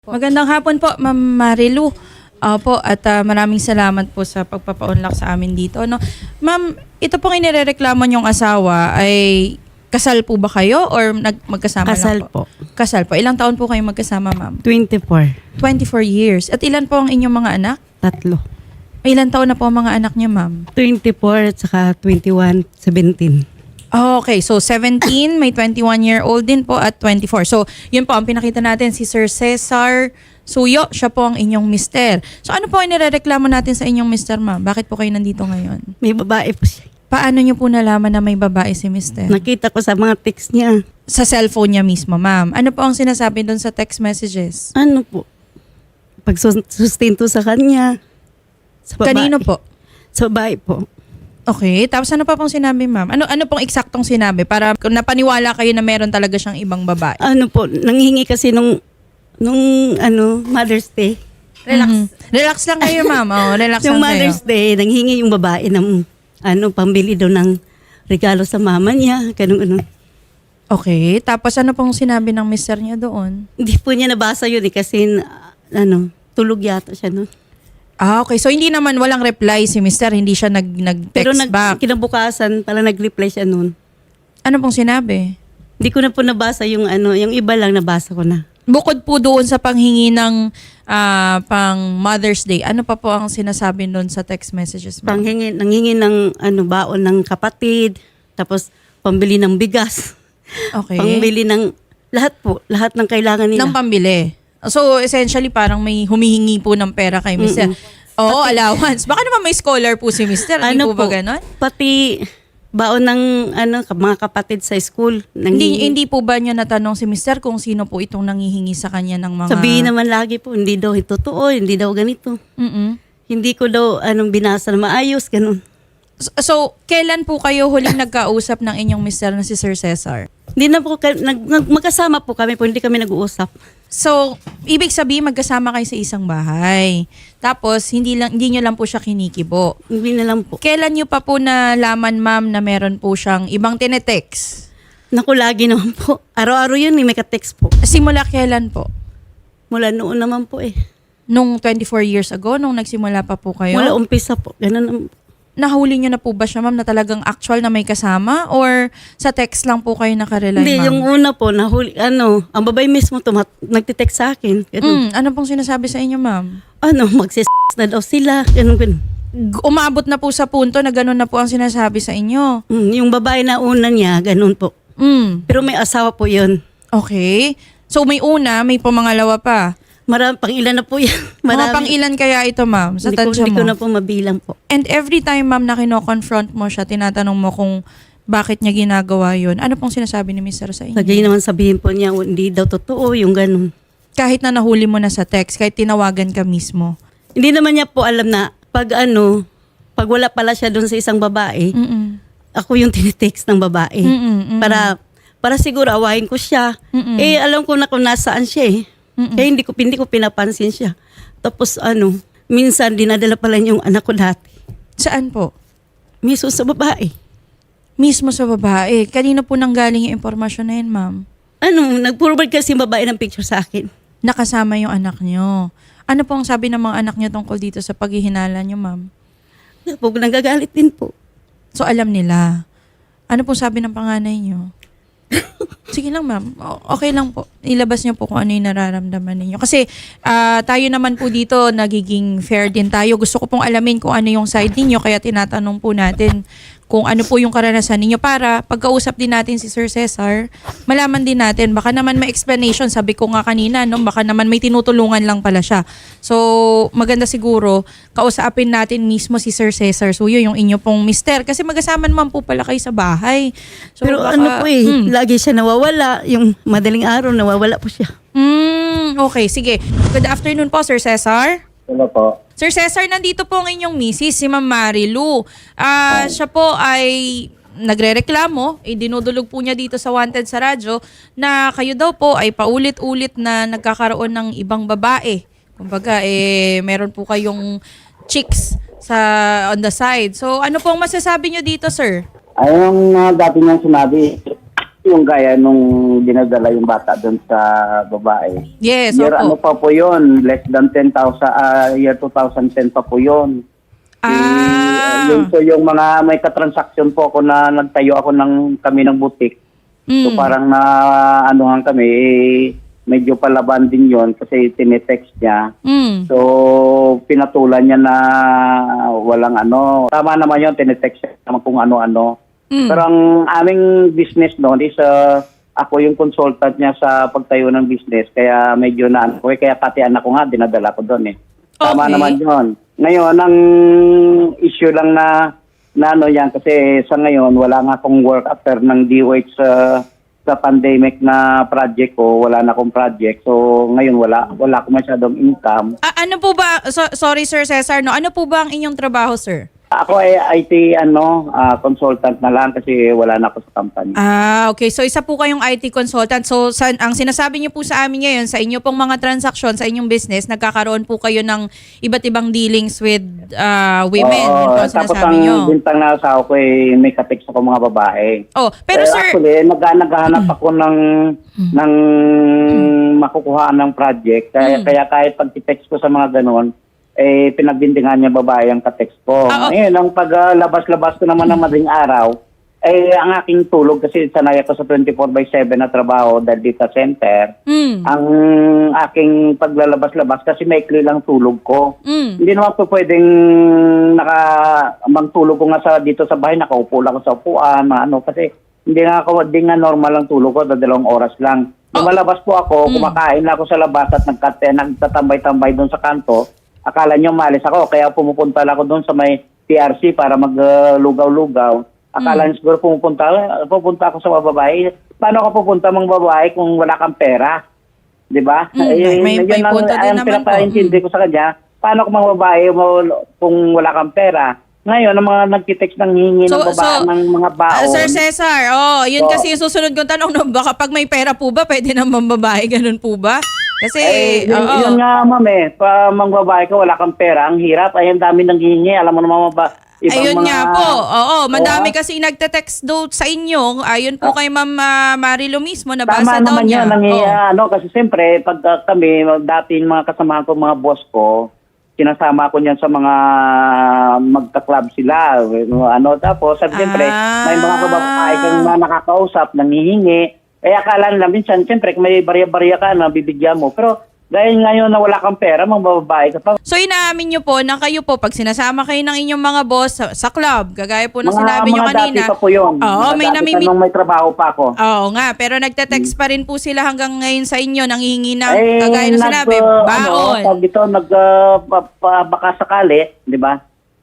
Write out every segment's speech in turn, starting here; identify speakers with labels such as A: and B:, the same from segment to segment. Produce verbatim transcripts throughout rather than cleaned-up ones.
A: Magandang hapon po, Ma'am Marilu. Opo, at ah, maraming salamat po sa pagpapaunlak sa amin dito. No? Ma'am, ito pong inirereklamo niyong asawa ay kasal po ba kayo or nag magkasama
B: Kasal
A: lang po?
B: po.
A: Kasal po. Ilang taon po kayo magkasama, ma'am?
B: twenty-four.
A: twenty-four years. At ilan po ang inyong mga anak?
B: Tatlo.
A: May ilang taon na po ang mga anak niya, ma'am?
B: twenty-four at saka twenty-one, seventeen.
A: Okay, so seventeen, may twenty-one-year-old din po at twenty-four. So, yun po, ang pinakita natin, si Sir Cesar Suyo, siya po ang inyong mister. So, ano po ang nirereklamo natin sa inyong mister, ma'am? Bakit po kayo nandito ngayon?
B: May babae po siya.
A: Paano niyo po nalaman na may babae si mister?
B: Nakita ko sa mga text niya.
A: Sa cellphone niya mismo, ma'am. Ano po ang sinasabi doon sa text messages?
B: Ano po? Pagsustento sa kanya. Sa babae.
A: Kanino po?
B: Sa babae po.
A: Okay, tapos ano pa pong sinabi, ma'am? Ano ano pong eksaktong sinabi para kung napaniwala kayo na meron talaga siyang ibang babae?
B: Ano po, nanghingi kasi nung, nung ano, Mother's Day.
A: Relax. Relax lang kayo, ma'am. Oh, relax
B: Yung
A: lang kayo.
B: Mother's Day, nanghingi yung babae ng, ano, pambili daw ng regalo sa mama niya. Ganun, ano.
A: Okay, tapos ano pong sinabi ng mister niya doon?
B: Hindi po niya nabasa yun eh, kasi, na- ano, tulog yata siya no.
A: Ah, okay. So hindi naman walang reply si mister, hindi siya nag nag-text
B: Pero nag,
A: back.
B: kinabukasan, pala nag-reply siya noon.
A: Ano pong sinabi?
B: Hindi ko na po nabasa yung ano, yung iba lang nabasa ko na.
A: Bukod po doon sa panghingi ng ah, pang Mother's Day, ano pa po ang sinasabi doon sa text messages, ma'am?
B: Panghingi, nanghingi ng ano, baon ng kapatid, tapos pambili ng bigas,
A: Okay.
B: pambili ng lahat po, lahat ng kailangan nila.
A: Ng pambili. So, essentially, parang may humihingi po ng pera kay mister. Oo, allowance. Baka naman may scholar po si mister. Hindi po ba ganon?
B: Pati baon ng ano, mga kapatid sa school.
A: Hindi,
B: nanghingi.
A: hindi po ba niya natanong si mister kung sino po itong nangihingi sa kanya ng mga...
B: Sabihin naman lagi po, hindi daw ito totoo, hindi daw ganito.
A: Mm-mm.
B: Hindi ko daw anong binasa na maayos, ganun.
A: So, so, kailan po kayo huling nagkausap ng inyong mister na si Sir Cesar?
B: Hindi na po, ka- nag, nag, magkasama po kami po, hindi kami nag-uusap.
A: So, ibig sabihin magkasama kayo sa isang bahay. Tapos, hindi lang hindi nyo lang po siya kinikibo.
B: Hindi na lang po.
A: Kailan nyo pa po nalaman, ma'am, na meron po siyang ibang tinetext?
B: Naku, lagi naman po. Araw-araw yun, eh, may ka-text po.
A: Simula kailan po?
B: Mula noon naman po eh.
A: Nung twenty-four years ago, nung nagsimula pa po kayo?
B: Mula umpisa po. Ganun naman po.
A: Nahuli nyo na po ba siya, ma'am, na talagang actual na may kasama? Or sa text lang po kayo nakarely,
B: Hindi,
A: ma'am?
B: yung una po, nahuli, ano, ang babae mismo tumat, nagtitext sa akin. Ganun.
A: Mm, ano pong sinasabi sa inyo, ma'am?
B: Ano, magsis na daw sila. Ganun, ganun.
A: G- Umabot na po sa punto na gano'n na po ang sinasabi sa inyo.
B: Mm, yung babae na una niya, ganun po.
A: Mm,
B: Pero may asawa po yun.
A: okay. So may una, may pumangalawa pa.
B: Marami, pang ilan na po yan.
A: Mga
B: Marami.
A: pang ilan kaya ito, ma'am, sa
B: Hindi ko,
A: tansya
B: hindi ko
A: mo?
B: na po mabilang po.
A: And every time, ma'am, na kino-confront mo siya, tinatanong mo kung bakit niya ginagawa yun. Ano pong sinasabi ni mister sa inyo?
B: Lagi naman sabihin po niya, hindi daw totoo, yung ganun.
A: Kahit na nahuli mo na sa text, kahit tinawagan ka mismo.
B: Hindi naman niya po alam na pag ano, pag wala pala siya doon sa isang babae,
A: Mm-mm.
B: ako yung tinitext ng babae.
A: Mm-mm, mm-mm.
B: Para para siguro awahin ko siya.
A: Mm-mm.
B: Eh alam ko na kung nasaan siya eh.
A: Mm-mm.
B: Kaya hindi ko hindi ko pinapansin siya. Tapos ano, minsan dinadala pala niya yung anak ko dati.
A: Saan po?
B: Miso sa babae.
A: Mismo sa babae. Kanino po nanggaling yung impormasyon na yun, ma'am?
B: Ano, nag-forward kasi yung babae ng picture sa akin.
A: Nakasama yung anak nyo. Ano pong sabi ng mga anak nyo tungkol dito sa paghihinala nyo, ma'am?
B: Po, nagagalit din po.
A: So, alam nila. Ano pong sabi ng panganay nyo? Sige lang, ma'am. O- Okay lang po. Ilabas niyo po kung ano yung nararamdaman ninyo. Kasi ah, tayo naman po dito, nagiging fair din tayo. Gusto ko pong alamin kung ano yung side ninyo. Kaya tinatanong po natin kung ano po yung karanasan ninyo para pagkausap din natin si Sir Cesar, malaman din natin. Baka naman may explanation. Sabi ko nga kanina, no? Baka naman may tinutulungan lang pala siya. So, maganda siguro, kausapin natin mismo si Sir Cesar Suyo, yung inyo pong mister. Kasi magkasama naman po pala kayo sa bahay. So,
B: Pero
A: baka-
B: ano po eh,
A: Hmm.
B: lagi siya nawawala. Yung madaling araw, nawawala po siya.
A: Mm, okay, sige. Good afternoon po, Sir Cesar.
C: Ano po?
A: Sir Cesar, nandito po ang inyong misis, si Ma'am Marilu. Ah, siya po ay nagrereklamo, eh, dinudulog po niya dito sa Wanted sa radyo na kayo daw po ay paulit-ulit na nagkakaroon ng ibang babae. Kumbaga, eh, meron po kayong chicks sa on the side. So, ano pong masasabi niyo dito, sir?
C: Ayun ang uh, dati niyang sinabi, Yung gaya nung dinadala yung bata doon sa babae.
A: Yes,
C: Year ano
A: opo.
C: pa po yun, less than ten thousand, ah, year two thousand ten pa po yun.
A: Ah.
C: Eh, yun po yung mga may katransaksyon po ako na nagtayo ako ng kami ng butik. So
A: Mm.
C: parang na anuhan kami, eh, medyo palaban din yon kasi tinetext niya.
A: Mm.
C: So pinatulan niya na walang ano. Tama naman yun, tinetext niya naman kung ano-ano.
A: Mm.
C: Pero ang aming business noon is uh, ako yung consultant niya sa pagtayo ng business. Kaya medyo na ano, kaya pati anak ko nga dinadala ko doon eh. Tama
A: Okay.
C: naman yun. Ngayon, ang issue lang na, na ano yan, kasi sa ngayon, wala nga akong work after ng D O H sa, sa pandemic na project ko. Wala na akong project. So, ngayon, wala, wala akong masyadong income.
A: Ah, ano po ba, so- sorry Sir Cesar, no? Ano po ba ang inyong trabaho, sir?
C: Ako ay I T ano, ah, consultant na lang kasi wala na ako sa company.
A: Ah, okay. So isa po kayong I T consultant. So sa, ang sinasabi niyo po sa amin ngayon, sa inyo pong mga transaksyon, sa inyong business, nagkakaroon po kayo ng iba't ibang dealings with ah, women. Yun po ang
C: tapos
A: sinasabi
C: ang
A: niyo.
C: bintang na asawa ko ay may katext ako mga babae.
A: Oh, pero
C: Eh,
A: sir,
C: actually, nag naghahanap ako ng ng makukuha ng project. Kaya,
A: Mm.
C: kaya kahit pag text ko sa mga ganon, eh, pinagbintingan niya babae ang katext ko.
A: Ah, oh.
C: Ngayon, ang paglabas-labas ko naman ng madaling araw, eh, ang aking tulog, kasi sanay ako sa twenty-four by seven na trabaho dahil data center,
A: mm,
C: ang aking paglalabas-labas, kasi maikli lang tulog ko.
A: mm,
C: Hindi naman po pwedeng naka magtulog ko nga sa dito sa bahay, nakaupo lang ako sa upuan, mga ano, kasi hindi nga ako, hindi nga normal ang tulog ko, dalawang oras lang. Lumalabas po ako,
A: Mm.
C: kumakain na ako sa labas at nagkate, nagtatambay-tambay doon sa kanto. Akala niyo malis ako, kaya pumupunta lang ako doon sa may T R C para maglugaw-lugaw. Akala niyo siguro pumupunta, pupunta ako sa mga babae. Paano ka pupunta mga babae kung wala kang pera? 'Di ba?
A: Mm, may- may
C: yun ang-
A: punto din
C: ang
A: naman po.
C: pinapaintindi ko sa kanya. Paano kung mga babae mo kung wala kang pera? Ngayon, ang mga nagtitext ng hingi
A: So-
C: ng babae
A: so,
C: ng mga baon.
A: Ah, Sir Cesar, oh, yun
C: Oo.
A: kasi yung susunod kong tanong, no, baka pag may pera po ba, pwede naman babae, ganun po ba? Kasi,
C: eh, yun,
A: oo.
C: yun nga, ma'am eh. Pa, mga babae ka, wala kang pera. Ang hirap. Ay, ang dami nang hihingi. Alam mo naman ba, ibang
A: Ayun
C: mga...
A: nga po. Oo, madami
C: Oo.
A: kasi nagte-text daw sa inyo. Ayun po kay Ma'am uh, Marilo mismo, nabasa
C: Tama
A: daw
C: naman
A: niya.
C: yun. Nangi,
A: Oo.
C: ano, kasi siyempre, pag uh, kami, dati yung mga kasamahan ko, mga boss ko, sinasama ko niyan sa mga magka-club sila. Ano, tapos, siyempre,
A: Ah.
C: may mga kababae kang mga nakakausap, nangihingi. Kaya akala nila minsan, siyempre, kung may barya-barya ka na bibigyan mo. Pero, dahil ngayon na wala kang pera, mga babae ka pa.
A: So inaamin niyo po na kayo po, pag sinasama kayo ng inyong mga boss sa, sa club, gagaya po ng sinabi niyo
C: mga
A: kanina.
C: dati pa po yun.
A: Oo,
C: Mga
A: may
C: dati
A: namimit.
C: pa nung may trabaho pa ako.
A: Oo nga, pero nagte-text pa rin po sila hanggang ngayon sa inyo, nanghihingi ng,
C: Eh,
A: kagaya ng
C: nag,
A: sinabi,
C: uh,
A: baon.
C: Ano, tawag dito, nag, uh, pa- pa- baka sakali, di ba?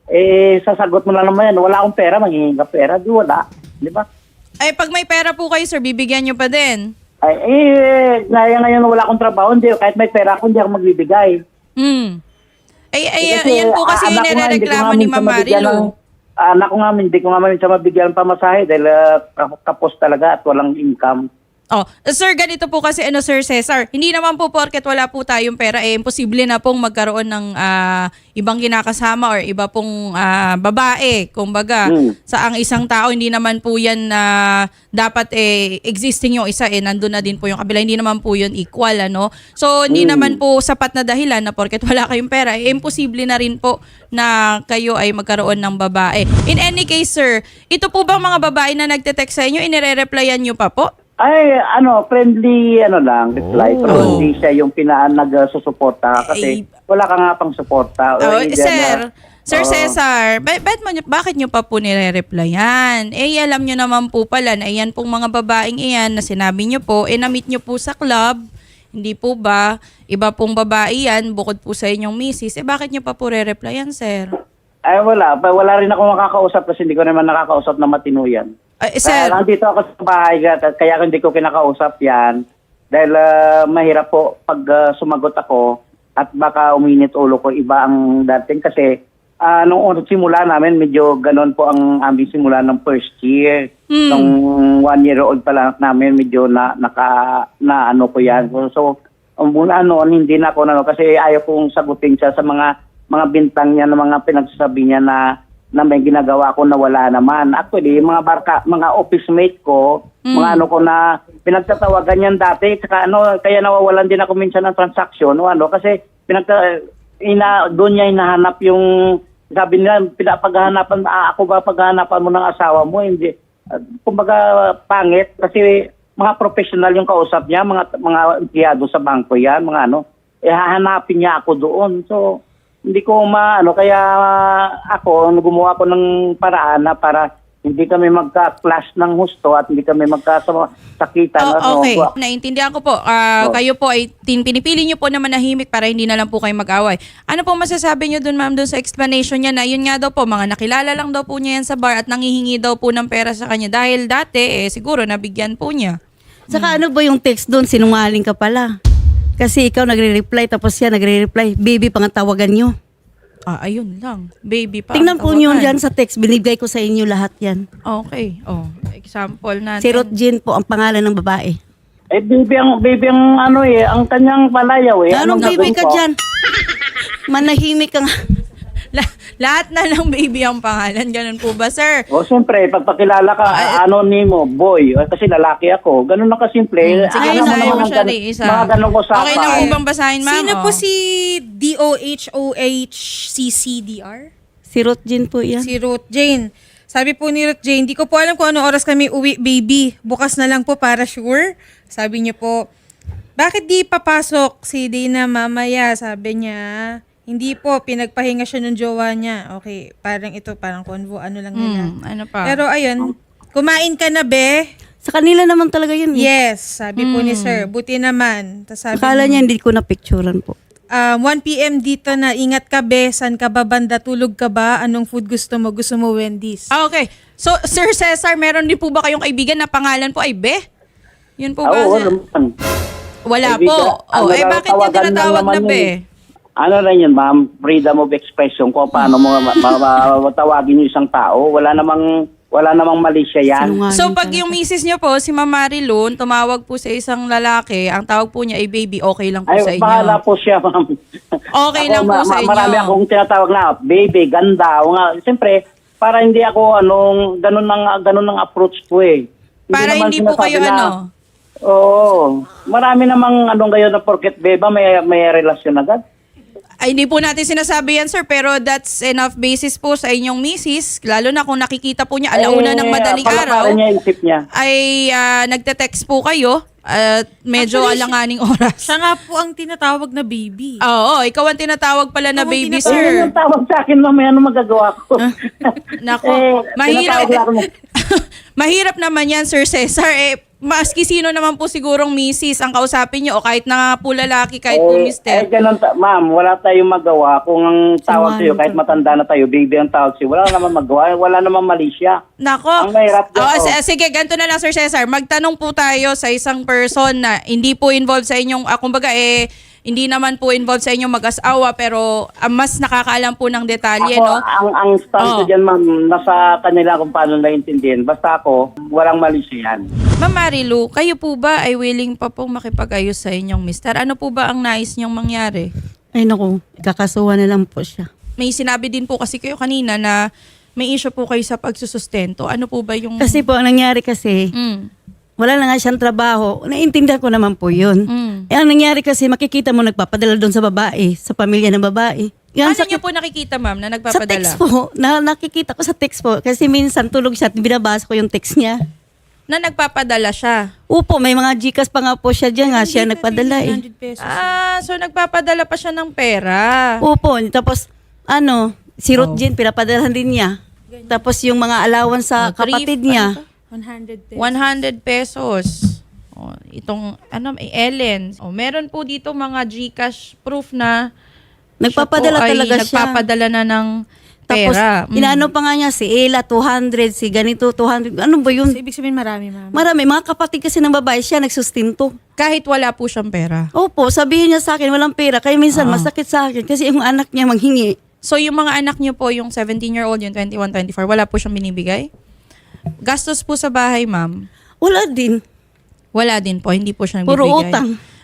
C: Eh, sasagot mo lang naman yan, wala akong pera, maghihingi ka pera, di wala. Di ba?
A: Ay, pag may pera po kayo, sir, bibigyan niyo pa din.
C: Ay, eh, ngayon ngayon wala akong trabaho, hindi, kahit may pera ako, hindi ako magbibigay.
A: Hmm. Ay, ay,
C: Eh, kasi,
A: ayan po kasi
C: ah,
A: yung
C: anak ko nga, hindi ko
A: nirereklamo
C: nga
A: ni
C: minsan
A: Ma'am
C: mabigyan
A: Marilu.
C: ng- ah, Anak ko nga, hindi ko nga minsan mabigyan ng pamasahe dahil ah, kapos talaga at walang income.
A: Oh, sir, ganito po kasi ano, Sir Cesar, hindi naman po porket wala po tayong pera, eh, imposible na pong magkaroon ng ah, ibang kinakasama or iba pong ah, babae. Kumbaga,
C: Hmm.
A: sa ang isang tao, hindi naman po yan na dapat eh, existing yung isa, eh, nandun na din po yung kabila. Hindi naman po yun equal, ano? So, hindi
C: Hmm.
A: naman po sapat na dahilan na porket wala kayong pera, eh, imposible na rin po na kayo ay magkaroon ng babae. In any case, sir, ito po bang mga babae na nagte-text sa inyo, inire-replyan nyo pa po?
C: Ay, ano, friendly, ano lang, reply.
A: Oh.
C: Pero hindi siya yung pinaan nag-susuporta kasi
A: Ay.
C: wala ka nga pang suporta.
A: Oh,
C: Or either
A: sir,
C: na-
A: Sir
C: Oo.
A: Cesar, ba- ba't mo, bakit nyo pa po nire-replyan? Eh, alam nyo naman po pala na iyan pong mga babaeng iyan na sinabi nyo po, eh, na-meet nyo po sa club, hindi po ba? Iba pong babae yan, bukod po sa inyong misis, eh, bakit nyo pa po re-replyan, sir?
C: Ay, wala. Pa- Wala rin ako makakausap kasi hindi ko naman nakakausap na matino yan.
A: Ay, eh,
C: Kaya
A: sir,
C: nandito ako sa bahay, at kaya hindi ko kinakausap yan. Dahil ah, mahirap po pag ah, sumagot ako at baka uminit ulo ko, iba ang dating. Kasi ah, nung unang simula namin, medyo ganon po ang aming simula ng first year.
A: Hmm.
C: Nung one year old pa lang namin, medyo na, naka, na ano ko yan. So, so um, muna noon, hindi na ako na, kasi ayaw kong sagutin siya sa mga mga bintang niya, na mga pinagsasabi niya na na may ginagawa ko na wala naman. Actually, mga barka, mga office mate ko,
A: Mm.
C: mga ano ko na pinagtatawagan yan dati, saka ano, kaya nawawalan din ako minsan ng transaction, o ano, kasi pinagta, ina, doon niya hinahanap yung, sabi nila, pinapaghahanapan, ah, ako ba paghahanapan mo ng asawa mo? Hindi. Uh, kumbaga, pangit, kasi mga professional yung kausap niya, mga mga empleyado sa bangko yan, mga ano, eh hahanapin niya ako doon. So, hindi ko maano, kaya ako, gumawa ko ng paraan na para hindi kami magka-clash ng husto at hindi kami magkasakitan.
A: Oh, okay,
C: Ano,
A: naintindihan ko po. Ah,
C: Oh.
A: Kayo po ay tin- pinipili niyo po na manahimik para hindi na lang po kayo mag-away. Ano po masasabi niyo dun, ma'am, dun sa explanation niya na yun nga daw po, mga nakilala lang daw po niya yan sa bar at nangihingi daw po ng pera sa kanya dahil dati, eh, siguro nabigyan po niya.
B: Saka ano ba yung text doon? Sinungaling ka pala. Kasi ikaw nagre-reply, tapos siya nagre-reply. Baby, pangantawagan nyo.
A: Ah, ayun lang. Baby pa.
B: Tingnan
A: ang
B: po nyo
A: tawagan.
B: dyan sa text. Binibigay ko sa inyo lahat yan.
A: Okay. Oh, example natin.
B: Si Ruth Jean po ang pangalan ng babae.
C: eh, baby ang, baby ang ano eh, ang kanyang palayaw eh.
B: Anong baby
C: gagawin
B: ka
C: ko?
B: dyan? Manahimik ka nga.
A: La- lahat na lang baby ang pangalan. Ganun po ba, sir?
C: O, siyempre, pagpakilala ka,
A: Ah,
C: ano nimo, boy, eh, kasi lalaki ako. Ganun na kasimple.
A: Hmm, sige,
C: Alam mo
A: isahin
C: naman
A: mo
C: ang
A: siya,
C: gan-
A: Ray, isa.
C: Mga ganun ko sa
A: Okay lang po bang basahin, ma'am?
D: Sino
A: Oh.
D: po si D O H O H C C D R?
B: Si Ruth Jean po yan.
D: Si Ruth Jane. Sabi po ni Ruth Jane, di ko po alam kung anong oras kami uwi, baby. Bukas na lang po para sure. Sabi niyo po, bakit di papasok si Dana mamaya? Sabi niya, hindi po, pinagpahinga siya ng jowa niya. Okay, parang ito, parang convo, ano lang nila.
A: Hmm, ano pa?
D: Pero ayun, kumain ka na, be?
B: Sa kanila naman talaga yun. eh.
D: Yes, sabi po ni sir. Buti naman. Tas sabi
B: Akala niya hindi ko na-picturean po.
D: Um, one p.m. dito na, ingat ka, be. San ka ba banda? Tulog ka ba? Anong food gusto mo? Gusto mo Wendy's?
A: Ah, okay. So, Sir Cesar, meron din po ba kayong kaibigan na pangalan po ay Be? Yun po ba?
C: Oo,
A: sir?
C: naman.
A: Wala
C: Kaibigan,
A: po. Oh,
C: ano,
A: eh bakit niya
C: tawagan lang
A: tinatawag na
C: naman
A: Be?
C: yun. Ano rin yun, ma'am? Freedom of expression kung paano mo ma- ma- matawagin yung isang tao. Wala namang, wala namang mali siya yan.
B: Sinungaling
A: So, pag
B: talaga.
A: yung misis niyo po, si Ma'am Marilyn, tumawag po sa isang lalaki, ang tawag po niya ay baby, okay lang po sa
C: Ay,
A: inyo.
C: bahala po siya, ma'am.
A: Okay
C: Ako,
A: lang po
C: ma-
A: sa
C: ma-
A: inyo.
C: Marami akong tinatawag na, baby, ganda. O nga, siyempre, para hindi ako, anong, ganun ang, ganun ang approach ko eh.
A: Para
C: naman
A: hindi po
C: sinasabi
A: kayo
C: na-
A: ano?
C: Oo. Marami namang anong kayo na porket beba, may, may relasyon agad.
A: Ay, hindi po natin sinasabi yan, sir, pero that's enough basis po sa inyong misis, lalo na kung nakikita po niya alauna ng madaling
C: palakarin
A: araw,
C: niya yung isip niya.
A: ay ah, nagte-text po kayo at medyo
D: Actually,
A: alanganing oras.
D: Siya nga po ang tinatawag na baby.
A: Oo, ikaw ang tinatawag pala na
D: Ikaw ang
A: baby,
D: tinatawag.
C: Ayun
A: sir.
C: yung tawag sa akin, mamaya ano magagawa ko.
A: Nako,
C: Eh,
A: mahirap.
C: tinatawag lang ako.
A: Mahirap naman yan, Sir Cesar. Eh, maski sino naman po sigurong misis ang kausapin niyo o kahit na nga po lalaki, kahit po
C: Eh,
A: mister.
C: eh, ganun, ta- ma'am, wala tayong magawa. Kung ang tawag sa'yo,
B: Sinungaling
C: kahit
B: ka.
C: matanda na tayo, baby ang tawag sa'yo, wala naman magawa. Wala naman mali siya.
A: Nako.
C: Ang mahirap dyan,
A: Oh,
C: oh.
A: s- sige, ganito na lang, Sir Cesar. Magtanong po tayo sa isang person na hindi po involved sa inyong, ah, kumbaga eh, hindi naman po involved sa inyong mag-asawa pero ah, mas nakakaalam po ng detalye,
C: Ako,
A: no?
C: ang, ang stand ko
A: Oh.
C: dyan, ma'am, nasa kanila kung paano naiintindihan. Basta ako, walang mali siya yan.
A: Ma'am Marilu, kayo po ba ay willing pa pong makipag-ayos sa inyong mister? Ano po ba ang nais niyong mangyari?
B: Ay naku, ikakasuhan na lang po siya.
A: May sinabi din po kasi kayo kanina na may issue po kayo sa pagsusustento. Ano po ba yung...
B: Kasi po, ang nangyari kasi,
A: Mm.
B: wala na nga siyang trabaho. Naiintindihan ko naman po yun.
A: Mm.
B: Eh, ang nangyari kasi, makikita mo nagpapadala doon sa babae, sa pamilya ng babae. Yan,
A: Paano
B: sa,
A: niyo po nakikita, ma'am, na
B: sa
A: nagpapadala?
B: text po, na, nakikita ko sa text po. Kasi minsan tulog siya at binabasa ko yung text niya.
A: Na nagpapadala siya.
B: Upo, may mga Gcash pa nga po siya dyan nga. Siya nagpadala eh.
D: one hundred pesos.
A: Ah, so nagpapadala pa siya ng pera.
B: Upo, tapos ano, si
A: Oh.
B: Ruth Jean, pinapadalahan din niya. Tapos yung mga alawan sa
A: Oh, three-
B: kapatid
A: ano
B: niya.
A: to?
D: one hundred pesos.
A: one hundred pesos. Oh, itong, ano, may Ellen. Oh, meron po dito mga Gcash proof na
B: Nagpapadala
A: siya po ay
B: talaga siya.
A: nagpapadala na ng
B: Tapos,
A: pera. Mm.
B: inaano pa nga niya, si Ella, two hundred, si ganito, two hundred. Ano ba yun?
D: So, ibig sabihin marami, ma'am.
B: Marami, mga kapatid kasi ng babae, siya nagsustinto.
A: Kahit wala po siyang pera.
B: Opo, sabihin niya sa akin, walang pera. Kaya minsan,
A: Ah.
B: masakit sa akin kasi yung anak niya manghingi.
A: So, yung mga anak niyo po, yung seventeen-year-old, yung twenty-one, twenty-four, wala po siyang binibigay? Gastos po sa bahay, ma'am?
B: Wala din.
A: Wala din po, hindi po siya
B: Puro
A: nagbibigay.
B: utang.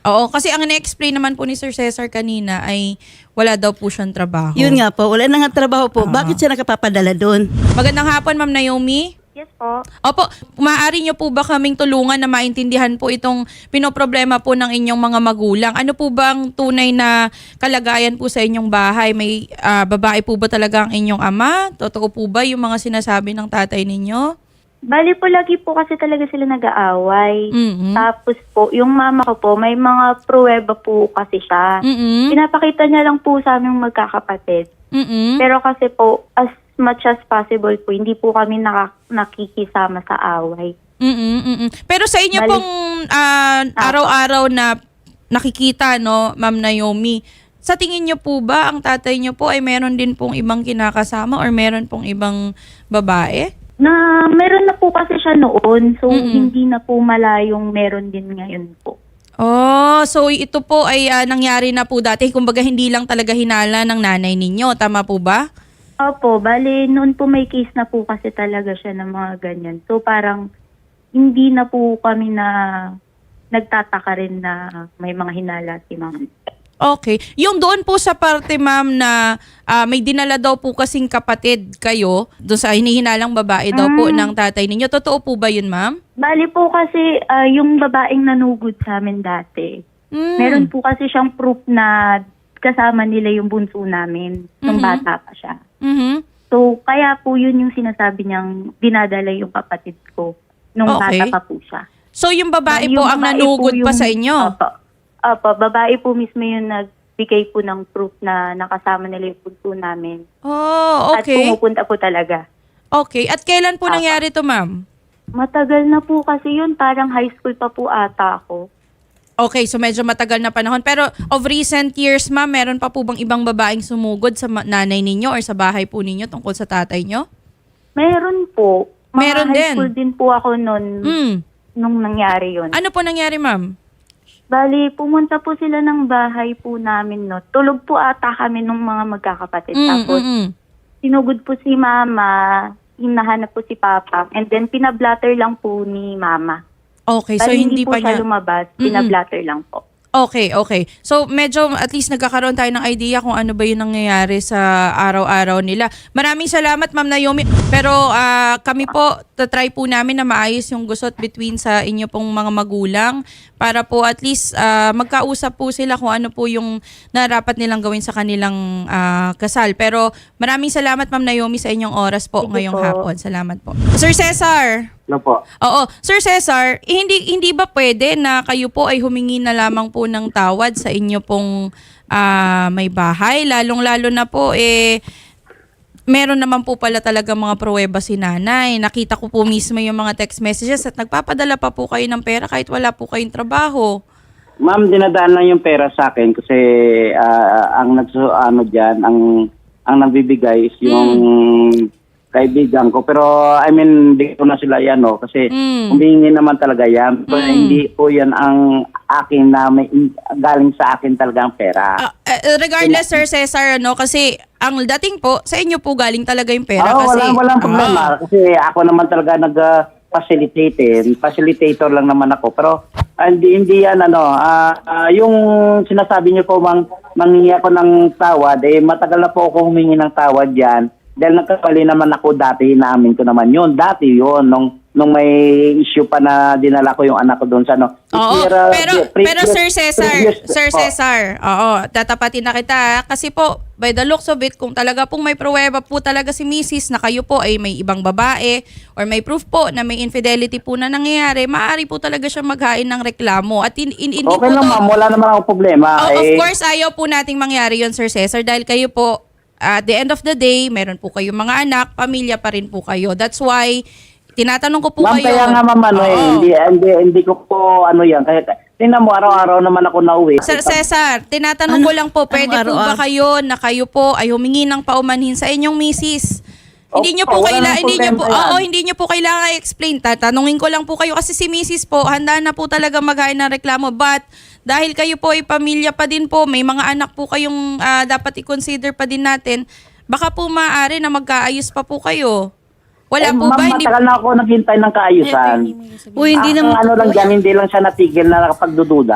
A: Oo, kasi ang na-explain naman po ni Sir Cesar kanina ay wala daw po siyang trabaho.
B: Yun nga po, wala na nga trabaho po.
A: Ah.
B: Bakit siya nakapapadala doon?
A: Magandang hapon, Ma'am Naomi.
E: Yes po.
A: Opo, maaari niyo po ba kaming tulungan na maintindihan po itong pinoproblema po ng inyong mga magulang? Ano po bang tunay na kalagayan po sa inyong bahay? May ah, babae po ba talaga ang inyong ama? Totoo po ba yung mga sinasabi ng tatay ninyo?
E: Bali po, lagi po kasi talaga sila nag-aaway.
A: Mhm.
E: Tapos po, yung mama ko po, may mga pruweba po kasi siya.
A: Mhm.
E: Pinapakita niya lang po sa aming magkakapatid.
A: Mhm.
E: Pero kasi po, as much as possible po, hindi po kami naka- nakikisama sa away.
A: Mhm. Mhm. Pero sa inyo
E: Bali-
A: pong ah, araw-araw na nakikita, no, Ma'am Naomi, sa tingin niyo po ba ang tatay niyo po ay meron din pong ibang kinakasama or meron pong ibang babae?
E: Na meron na po kasi siya noon, so
A: Mm-mm.
E: hindi na po malayong meron din ngayon po.
A: Oh, so ito po ay ah, nangyari na po dati. Kumbaga hindi lang talaga hinala ng nanay ninyo. Tama po ba?
E: Opo, bali noon po may case na po kasi talaga siya ng mga ganyan. So parang hindi na po kami na nagtataka rin na may mga hinala si ma'am.
A: Okay. Yung doon po sa parte, ma'am, na ah, may dinala daw po kasing kapatid kayo, doon sa hinihinalang babae daw po ng tatay ninyo. Totoo po ba yun, ma'am?
E: Bali po kasi ah, yung babaeng nanugod sa amin dati,
A: Mm.
E: meron po kasi siyang proof na kasama nila yung bunso namin nung
A: Mhm.
E: bata pa siya.
A: Mhm.
E: So kaya po yun yung sinasabi niyang dinadala yung kapatid ko nung
A: Okay.
E: bata pa po siya.
A: So yung babae
E: Yung
A: po ang
E: babae
A: nanugod
E: po
A: pa
E: yung-
A: sa inyo?
E: Opo. Opo, babae po mismo yung nagbigay po ng proof na nakasama nila yung bunso namin.
A: Oh,
E: At
A: okay.
E: pumupunta po talaga.
A: Okay. At kailan po
E: Apa.
A: nangyari to, ma'am?
E: Matagal na po kasi yun, parang high school pa po ata ako.
A: Okay, so medyo matagal na panahon. Pero of recent years, ma'am, meron pa po bang ibang babaeng sumugod sa ma- nanay ninyo or sa bahay po ninyo tungkol sa tatay nyo?
E: Meron po. Mga
A: Meron
E: high
A: din.
E: school din po ako nun,
A: Mm.
E: nung nangyari yun.
A: Ano po nangyari, ma'am?
E: Bali, pumunta po sila ng bahay po namin, no. Tulog po ata kami nung mga magkakapatid.
A: Mm,
E: Tapos,
A: mm, mm.
E: sinugod po si mama, hinahanap po si papa, and then pinablatter lang po ni mama.
A: Okay, so
E: Bali,
A: hindi,
E: po
A: pa
E: siya
A: niya...
E: lumabas,
A: Mm-mm.
E: pinablatter lang po.
A: Okay, okay. So medyo at least nagkakaroon tayo ng idea kung ano ba yung nangyayari sa araw-araw nila. Maraming salamat, Ma'am Naomi. Pero ah, kami po, tatry po namin na maayos yung gusot between sa inyo pong mga magulang para po at least ah, magkausap po sila kung ano po yung narapat nilang gawin sa kanilang ah, kasal. Pero maraming salamat, Ma'am Naomi, sa inyong oras po
E: Sige
A: ngayong
E: po.
A: hapon. Salamat po. Sir Cesar!
C: Ano po?
A: Oo. Sir Cesar, eh, hindi hindi ba pwede na kayo po ay humingi na lamang po ng tawad sa inyo pong ah, may bahay? Lalong-lalo na po, eh, meron naman po pala talaga mga pruweba si nanay. Nakita ko po mismo yung mga text messages at nagpapadala pa po kayo ng pera kahit wala po kayong trabaho.
C: Ma'am, dinadaan lang yung pera sa akin kasi ah, ang nagso ano diyan, ang ang nagbibigay is yung kaibigan ko. Pero I mean, hindi ko na sila yan, no, kasi
A: Mm.
C: humingi naman talaga yan. Pero
A: Mm.
C: hindi po yan ang akin na may galing sa akin talaga ang pera.
A: Ah, eh, regardless, Sir Cesar, ano, kasi ang dating po, sa inyo po galing talaga yung pera.
C: Oo,
A: kasi,
C: walang, walang problema.
A: Ah.
C: Kasi ako naman talaga nag-facilitate. Facilitator lang naman ako. Pero ah, hindi, hindi yan, ano, ah, ah, yung sinasabi niyo po, mang, manghingi ako ng tawad, eh, matagal na po ako humingi ng tawad yan. Dahil nagkakali naman ako dati, inaamin ko naman yun. Dati yun, nung, nung may issue pa na dinala ko yung anak ko doon sa, ano.
A: Oo,
C: Pero,
A: pero,
C: previous-
A: pero Sir Cesar,
C: previous-
A: Sir
C: oh.
A: Cesar, oo, tatapatin na kita. Kasi po, by the looks of it, kung talaga pong may pruweba po talaga si Missus na kayo po ay may ibang babae or may proof po na may infidelity po na nangyayari, maaari po talaga siya maghain ng reklamo. At in, in, hindi
C: Okay
A: po
C: lang,
A: to-
C: ma'am. Wala naman akong problema.
A: Oh, of
C: Eh,
A: course, ayaw po nating mangyari yon, Sir Cesar, dahil kayo po, at the end of the day, meron po kayong mga anak, pamilya pa rin po kayo. That's why, tinatanong ko po
C: Ma'am,
A: kayo.
C: kaya nga ma'am, ano eh,
A: Oo.
C: hindi, hindi, hindi ko po, ano yan, kahit, tingnan mo, araw-araw naman ako nauwi.
A: Sir Cesar, tinatanong
B: Ano?
A: ko lang po,
B: Anong
A: pwede po ba
B: araw-araw?
A: kayo na kayo po ay humingi ng paumanhin sa inyong misis?
C: Oh,
A: Hindi niyo po
C: wala
A: kailangan,
C: namang
A: hindi niyo po,
C: problema yan.
A: oo, hindi niyo po kailangan i-explain. Tatanungin ko lang po kayo kasi si Missus po, handa na po talaga maghain ng reklamo. But dahil kayo po ay pamilya pa din po, may mga anak po kayong ah, dapat i-consider pa din natin, baka po maaari na magkaayos pa po kayo. Wala
C: Eh,
A: po
C: ma'am,
A: ba? Hindi,
C: matagal na ako naghintay ng kaayusan.
B: Uy, hindi
C: Ang
B: naman.
C: ano lang dyan, hindi lang siya natigil na nakapagdududa.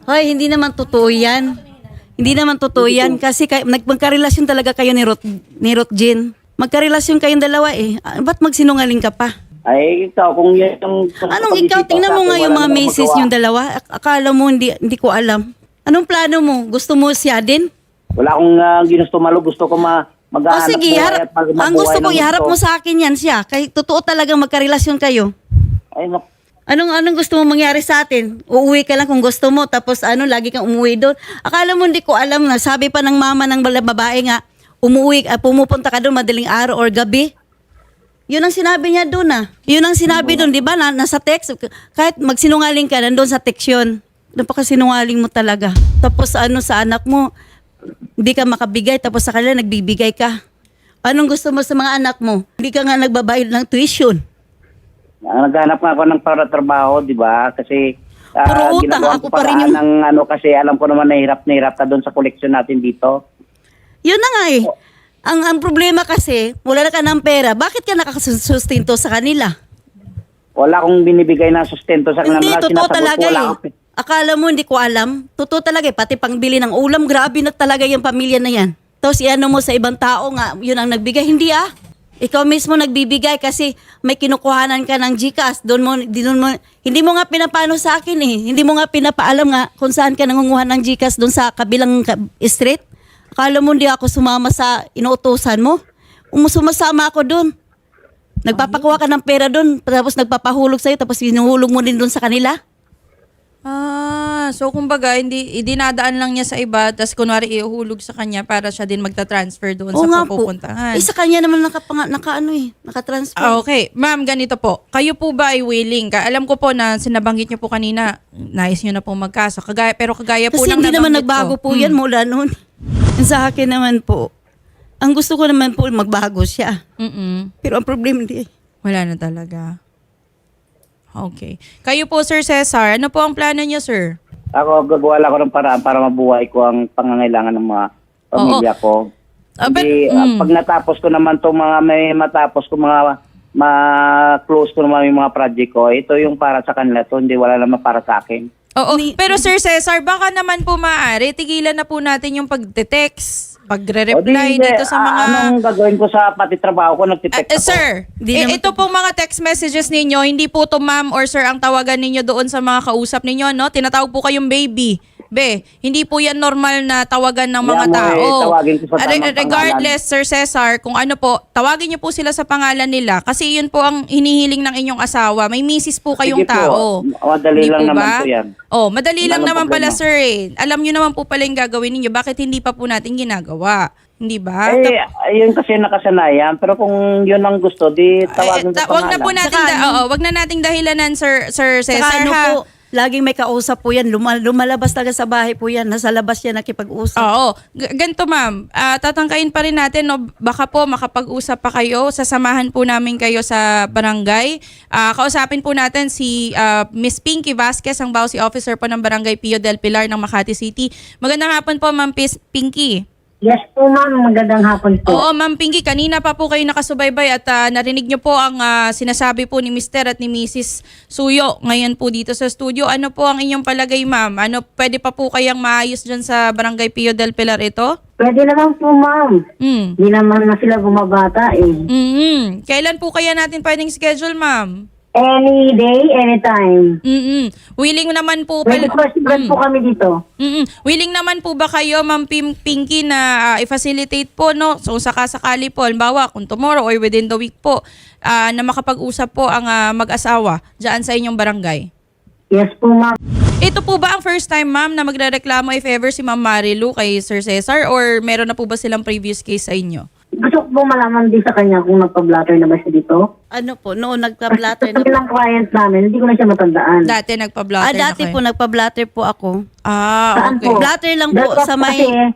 B: Hoy, hindi naman totoo yan. Hindi naman totoo yan kasi kay, nag- magkarelasyon talaga kayo ni Ruth, ni Ruth Jean. Magkarelasyon kayong dalawa eh. Ah, ba't magsinungaling ka pa?
C: Ay, ikaw, kung yan yung...
B: Anong ikaw? Tingnan mo nga yung mga misis yung dalawa. Ak- Akala mo hindi, hindi ko alam. Anong plano mo? Gusto mo siya din?
C: Wala akong uh, ginusto malo. Gusto ko ma
B: O
C: mag-aanap
B: sige,
C: buhay
B: harap,
C: at mag-
B: ang
C: mabuhay
B: gusto ko,
C: ng
B: iharap
C: gusto.
B: mo sa akin yan siya. Kay totoo talagang magkarelasyon kayo.
C: Ay, nak-
B: Anong anong gusto mo mangyari sa atin? Uuwi ka lang kung gusto mo tapos ano lagi kang umuwi doon. Akala mo hindi ko alam na sabi pa ng mama ng bala- babae nga umuwi uh, pumupunta ka doon madaling araw or gabi. Yun ang sinabi niya doon ah. Yun ang sinabi doon, 'di ba? Na, nasa text kahit magsinungaling ka nandoon sa text yun. Napakasinungaling mo talaga. Tapos ano sa anak mo hindi ka makabigay tapos sa kanila nagbibigay ka. Anong gusto mo sa mga anak mo? Hindi ka nga nagbabayad ng tuition.
C: Ang naghanap nga ako ng para trabaho, di ba? Kasi ah,
B: Puro utang,
C: ginagawa
B: ako
C: ko
B: pa rin
C: paraan
B: yung-
C: ng ano kasi alam ko naman nahirap na hirap ka doon sa koleksyon natin dito.
B: Yun na nga eh. Ang, ang problema kasi, wala na ka ng pera, bakit ka nakakasustinto sa kanila?
C: Wala akong binibigay na sustento sa kanila.
B: Hindi,
C: Mga
B: totoo
C: sinasagot ko,
B: talaga
C: wala
B: eh.
C: akong-
B: Akala mo hindi ko alam? Totoo talaga eh. Pati pangbili ng ulam, grabe na talaga yung pamilya na yan. Tapos iano mo sa ibang tao nga, yun ang nagbigay. Hindi ah. Ikaw mismo nagbibigay kasi may kinukuhanan ka ng GCash. Doon mo, di, doon mo, hindi mo nga pinapano sa akin eh. Hindi mo nga pinapaalam nga kung saan ka nangunguha ng GCash doon sa kabilang ka- street. Akala mo hindi ako sumama sa inuutosan mo? Um, sumasama ako doon. Nagpapakuha ka ng pera doon, tapos nagpapahulog sa'yo, tapos hinuhulog mo din doon sa kanila.
A: Ah, so kumbaga, hindi, dinadaan lang niya sa iba, tapos kunwari iuhulog sa kanya para siya din magta-transfer doon
B: Oo
A: sa
B: nga po.
A: pupuntahan.
B: Eh, sa kanya naman nakapanga, naka ano eh, nakatransfer.
A: Ah, okay. Ma'am, ganito po. Kayo po ba ay willing? Ka? Alam ko po na sinabanggit niyo po kanina, nais niyo na po magkaso. Kagaya, pero kagaya po
B: Kasi
A: ng
B: hindi naman
A: nabanggit
B: nagbago
A: ko.
B: po yan mula noon. Sa akin naman po, ang gusto ko naman po magbago siya.
A: Mm-mm.
B: Pero ang problema hindi.
A: Wala na talaga. Okay. Kayo po, Sir Cesar, ano po ang plano niyo, sir?
C: Ako, gagawa lang ako ng paraan para mabuhay ko ang pangangailangan ng mga pamilya ko.
A: Ah, but-
C: Hindi, ah,
A: mm.
C: pag natapos ko naman itong mga may matapos ko mga ma-close ko naman yung mga project ko, ito yung para sa kanila to, hindi wala naman para sa akin.
A: Oo.
B: Ni-
A: Pero Sir Cesar, baka naman po maaari, tigilan na po natin yung pag-text,
C: O,
A: pagre-reply
C: di,
A: dito sa
C: ah,
A: mga...
C: Anong gagawin ko sa pati trabaho ko? Nagtitext
A: Eh, eh,
C: ako.
A: sir,
B: Di
A: eh,
B: naman
A: ito pong mga text messages ninyo, hindi po to ma'am or sir ang tawagan ninyo doon sa mga kausap ninyo, no? Tinatawag po kayong baby. Be, hindi po yan normal na tawagan ng mga
C: Kaya mo, eh,
A: tao.
C: tawagin ko sa
A: Re-
C: tamang
A: regardless, Sir Cesar, kung ano po, tawagin niyo po sila sa pangalan nila kasi yun po ang hinihiling ng inyong asawa. May misis po kayong
C: Sige po,
A: tao.
C: madali
A: Hindi
C: lang
A: po
C: naman
A: ba?
C: po yan.
A: Oh, madali
C: Wala
A: lang
C: nang
A: naman pala,
C: problema.
A: sir. Eh. Alam niyo naman po pala yung gagawin ninyo. Bakit hindi pa po natin ginagawa? Hindi ba?
C: Eh, ayun kasi nakasanayan. Pero kung yun ang gusto, di tawagin
A: Eh, ta-
C: sa
A: wag na po
C: pangalan.
A: nating
B: Saka
A: da-
B: ano?
A: oo, wag na nating dahilanan, Sir Sir
B: Saka
A: Cesar
B: ano
A: ha.
B: po, laging may kausap po yan. Luma- lumalabas talaga sa bahay po yan. Nasa labas yan nakipag-usap.
A: Oo. G- ganito ma'am, Ah, tatangkain pa rin natin, no? Baka po makapag-usap pa kayo. Sasamahan po namin kayo sa barangay. Ah, kausapin po natin si ah, Miss Pinky Vasquez, ang Bausi Officer po ng Barangay Pio del Pilar ng Makati City. Magandang hapon po, Ma'am Pis- Pinky.
F: Yes po ma'am, magandang hapon po.
A: Oo, Ma'am Pinky, kanina pa po kayo nakasubaybay at ah, narinig niyo po ang ah, sinasabi po ni Mister at ni Missus Suyo ngayon po dito sa studio. Ano po ang inyong palagay, Ma'am? Ano, pwede pa po kayang maayos dyan sa Barangay Pio del Pilar ito?
F: Pwede naman po ma'am.
A: Hmm.
F: Hindi naman na sila bumabata eh.
A: Mm-hmm. Kailan po kaya natin pwedeng schedule, ma'am?
F: Any day, anytime.
A: Mm-mm. Willing naman po
F: Pwede
A: pala...
F: po mm. po kami dito.
A: Mm-mm. Willing naman po ba kayo, Ma'am Pim- Pinky, na ah, i-facilitate po, no? So, sakasakali po, halimbawa, kung tomorrow or within the week po, ah, na makapag-usap po ang ah, mag-asawa dyan sa inyong barangay?
F: Yes po ma'am.
A: Ito po ba ang first time, ma'am, na magrereklamo if ever si Ma'am Marilu kay Sir Cesar or meron na po ba silang previous case sa inyo?
F: Gusto ko po malaman din sa kanya kung nagpa-blatter na ba siya dito.
B: Ano po, noon
F: Kasi
B: nagpa-blatter na
F: sabi ng client namin, hindi ko na siya matandaan.
A: Dati nagpa-blotter
B: Ah, dati
A: na
B: po
A: kayo.
B: nagpa-blatter po ako.
A: Ah,
F: Saan
A: okay.
F: po?
B: Blatter lang po
F: That's
B: sa may
F: kasi,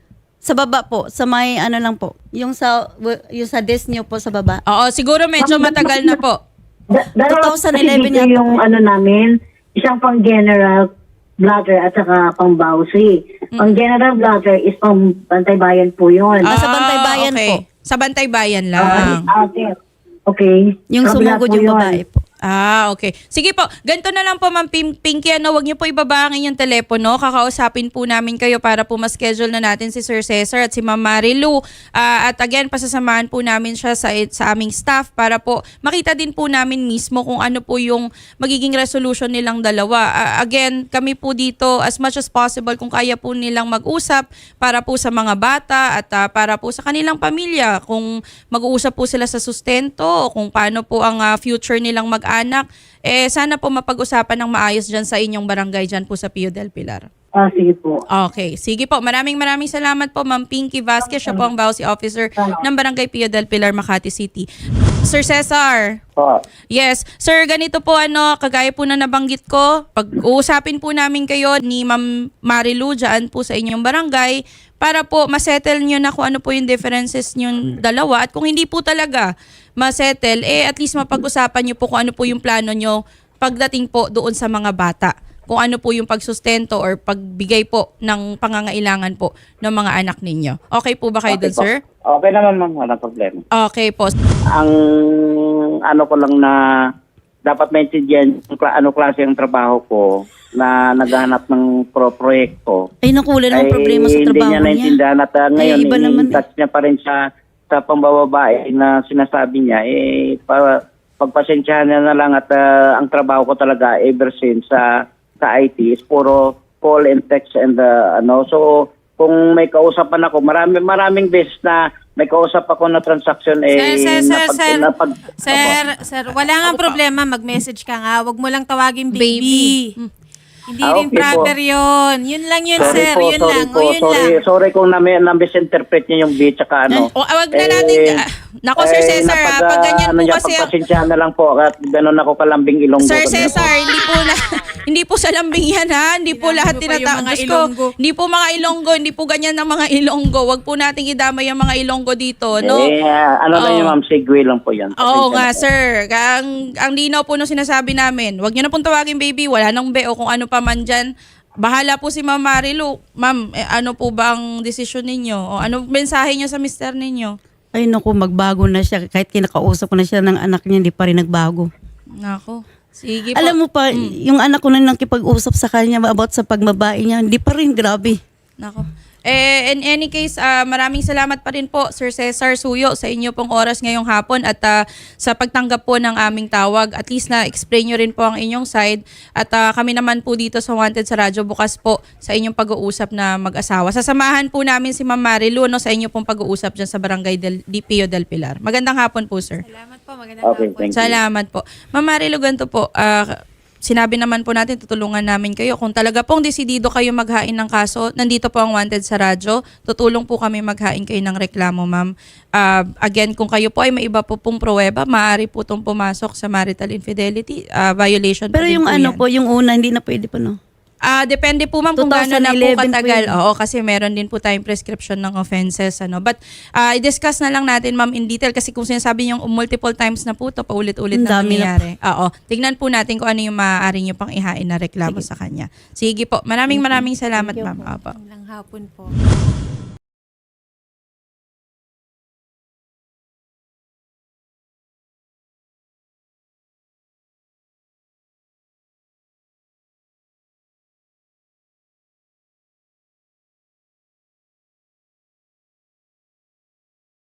B: sa baba po, sa may ano lang po. Yung sa yung sa desk niyo po sa baba.
A: Oo, siguro medyo matagal na po.
F: da- dalawa
B: twenty eleven
F: kasi dito
B: yata
F: yung ano namin, isang pang general blatter at saka pang bawsi. Pang general blatter is pang Bantay Bayan po yun.
B: Ah, sa Bantay Bayan
A: okay.
B: po.
A: Sa Bantay Bayan
F: Ah,
A: lang.
F: okay. Okay.
B: Yung
F: Kabila
B: sumugod
F: po
B: yung
F: yun.
B: babae po.
A: Ah, okay. Sige po, ganito na lang po Ma'am Pim- Pinky, ano, wag niyo po ibaba ang inyong telepono. Kakausapin po namin kayo para po ma-schedule na natin si Sir Cesar at si Ma'am Marilu. Ah, at again, pasasamahan po namin siya sa, sa aming staff para po makita din po namin mismo kung ano po yung magiging resolution nilang dalawa. Ah, again, kami po dito as much as possible kung kaya po nilang mag-usap para po sa mga bata at ah, para po sa kanilang pamilya. Kung mag-uusap po sila sa sustento o kung paano po ang ah, future nilang mag anak, eh sana po mapag-usapan ng maayos dyan sa inyong barangay dyan po sa Pio del Pilar.
F: Ah, sige po.
A: Okay. Sige po. Maraming maraming salamat po Ma'am Pinky Vasquez. Siya po ang Bausi Officer ng Barangay Pio del Pilar, Makati City. Sir Cesar.
C: Po.
A: Yes. Sir, ganito po ano, kagaya po na nabanggit ko, pag-uusapin po namin kayo ni Ma'am Marilu dyan po sa inyong barangay para po masettle nyo na kung ano po yung differences nyo dalawa at kung hindi po talaga masettle, eh at least mapag-usapan nyo po kung ano po yung plano nyo pagdating po doon sa mga bata. Kung ano po yung pagsustento or pagbigay po ng pangangailangan po ng mga anak ninyo. Okay po ba kayo
C: Okay
A: doon,
C: po.
A: sir?
C: Okay naman ma'am, walang problema.
A: Okay po.
C: Ang ano ko lang na dapat maintindihan yung kla- ano klase ng trabaho ko na naghahanap ng pro proyekto.
B: Ay, naku, wala namang problema sa trabaho
C: hindi niya
B: niya.
C: naintindihan at uh, ngayon,
B: iba naman
C: i-touch niya pa rin sa, sa pambababae na sinasabi niya, eh, para pagpasensyahan niya na lang at uh, ang trabaho ko talaga ever since sa sa I T is puro call and text and uh, ano. So, kung may kausapan ako, marami, maraming beses na may kausap ako na transaction eh,
D: Sir, sir, sir,
C: napag-
D: sir,
C: napag-
D: sir, sir, wala nga problema, mag-message ka nga, wag mo lang tawagin baby.
A: Baby.
D: Hindi
C: Ah,
D: rin
C: okay
D: brother
C: po.
D: yun. Yun lang yun,
C: Sorry
D: sir,
C: po,
D: yun
C: sorry
D: lang,
C: po,
D: o yun
C: sorry,
D: lang.
C: sorry kung na, na misinterpret niya yung B tsaka ano.
A: O, wag na natin. ah, Nako, Sir Cesar, ah,
C: napag-
A: pag ganyan
C: ano
A: po
C: niya,
A: kasi...
C: pagpasensyahan na lang po at gano'n ako kalambing Ilonggo.
A: Sir
C: Ganyan po.
A: Cesar, hindi po na, hindi po sa lambing yan ha. Hindi po
D: Sinabi
A: lahat
D: mo pa yung
A: tinatawag.
D: mga
A: Diyos ko,
D: Ilonggo.
A: hindi po mga Ilonggo, hindi po ganyan ng mga Ilonggo. Wag po nating idamay yung mga Ilonggo dito, no?
C: Eh, ah, ano lang
A: Oo.
C: yun ma'am, segue lang po yan.
A: Oo
C: Pasensya
A: nga,
C: na po.
A: sir. Ang, ang linaw po nung sinasabi namin, wag nyo na pong tawagin baby, wala nang be o kung ano pa man dyan. Bahala po si Ma'am Marilu. Ma'am, eh, ano po ba ang desisyon ninyo? O ano mensahe nyo sa mister ninyo?
B: Ay, naku, magbago na siya. Kahit kinakausap ko na siya ng anak niya, hindi pa rin nagbago.
A: Nako. Sige po.
B: Alam mo pa, yung anak ko na nakipag-usap sa kanya about sa pagbabae niya, hindi pa rin, grabe.
A: Nako. Eh, in any case, ah, maraming salamat pa rin po, Sir Cesar Suyo, sa inyo pong oras ngayong hapon at ah, sa pagtanggap po ng aming tawag. At least na-explain nyo rin po ang inyong side. At ah, kami naman po dito sa Wanted sa Radyo, bukas po sa inyong pag-uusap na mag-asawa. Sasamahan po namin si Ma'am Marilu no, sa inyo pong pag-uusap dyan sa Barangay del, Di Pio del Pilar. Magandang hapon po, sir.
D: Salamat po, magandang
C: Okay,
D: hapon.
C: thank you.
A: Salamat po. Ma'am Marilu, ganito po. ah, sinabi naman po natin, tutulungan namin kayo. Kung talaga pong desidido kayo maghain ng kaso, nandito po ang Wanted sa Radyo. Tutulong po kami maghain kayo ng reklamo, ma'am. Ah, again, kung kayo po ay may iba po pong pruweba, maaari po itong pumasok sa marital infidelity ah, violation.
B: Pero
A: pa din
B: yung
A: po
B: ano
A: yan.
B: po, yung una, hindi na pwede pa, no?
A: Ah, depende po ma'am kung gaano na po
B: twenty eleven
A: katagal.
B: po yun.
A: Oo, kasi meron din po tayong prescription ng offenses ano. But ah, i-discuss na lang natin ma'am in detail kasi kung sinasabi niyo multiple times na po to paulit-ulit
B: Ang
A: na
B: dami na
A: nangyayari. Oo, tignan po natin kung ano yung maaari niyo pang ihain na reklamo sa kanya. Sige po. Maraming maraming salamat ma'am. Opo.
D: Magandang hapon po.